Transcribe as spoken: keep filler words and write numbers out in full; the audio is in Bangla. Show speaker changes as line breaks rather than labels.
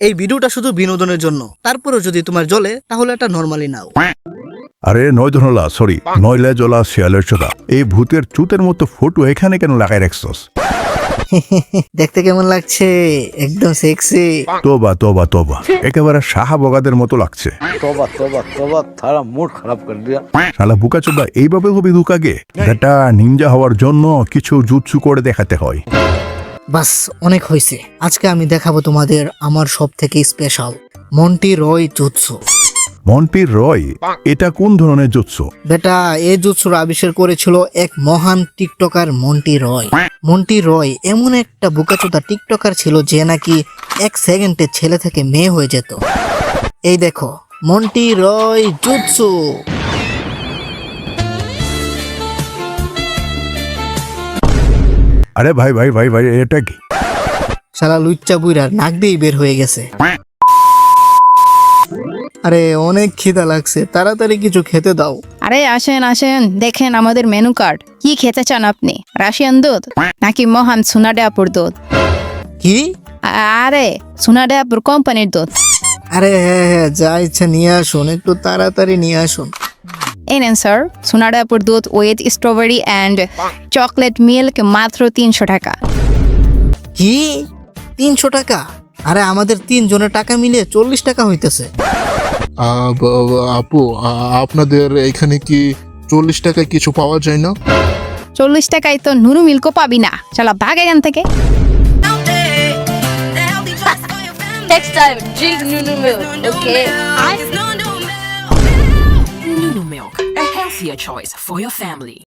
এই ভিডিওটা শুধু বিনোদনের জন্য, তারপরেও যদি তোমার জ্বলে তাহলে এটা নরমালি নাও।
আরে নয় ধনলা সরি নয়লে জলা শিয়ালের চোদা, এই ভূতের চুতের মতো ফটো এখানে কেন লাগাই রাখছস?
দেখতে কেমন লাগছে? একদম সেক্সি।
তোবা তোবা তোবা, একেবারে শাহাবগাদের মতো লাগছে।
तोबा तोबा तोबा थारा मूड खराब कर दिया।
শালা বুকা চোদা, এইভাবে হবি দুকাগে? বেটা নিনজা হওয়ার জন্য কিছু জুৎসু করে দেখাতে হয়।
বাস অনেক হয়েছে। আজকে আমি দেখাবো তোমাদের আমার সব থেকে স্পেশাল মন্টি রয় জুৎসু।
মন্টির রয়, এটা কোন ধরনের জুৎসু?
বেটা এই জুৎসুর আবিষ্কার করেছিল এক মহান টিকটকার মন্টি রয়। মন্টি রয় এমন একটা বোকাচোদা টিকটকার ছিল যে নাকি এক সেকেন্ডে ছেলে থেকে মেয়ে হয়ে যেত। এই দেখো মন্টি রয় জুৎসু।
আরে ভাই ভাই ভাই ভাই, এটা কি?
শালা লুচ্চা বুইরার নাক দিয়েই বের হয়ে গেছে। আরে অনেক খিদা লাগছে, তাড়াতাড়ি কিছু খেতে দাও।
আরে আসেন আসেন, দেখেন আমাদের মেনু কার্ড। কি খেতে চান আপনি? রাশিয়ান দুধ নাকি মহান সোনাডাপুর দুধ?
কি?
আরে সোনাডাপুর কোম্পানির দুধ।
আরে হ্যাঁ হ্যাঁ, যা ইচ্ছা নিয়ে আসুন, একটু তাড়াতাড়ি নিয়ে আসুন।
এই নেন স্যার, সোনাডাপুর দুধ with strawberry and chocolate milk, মাত্র তিনশো টাকা।
কি তিনশো টাকা? আরে আমাদের তিন জনের টাকা মিলিয়ে চল্লিশ টাকা হইতেছে।
আহ, ব- ব- আপু আ- আপনাদের এখানে কি চল্লিশ টাকায় কিছু পাওয়া যায় না?
চল্লিশ টাকায় তো নুরু মিল্কও পাবি না। চলো ভাগ এখান থেকে।
Next time, drink Nunu milk, okay?
Nunu Milk, a healthier choice for your family.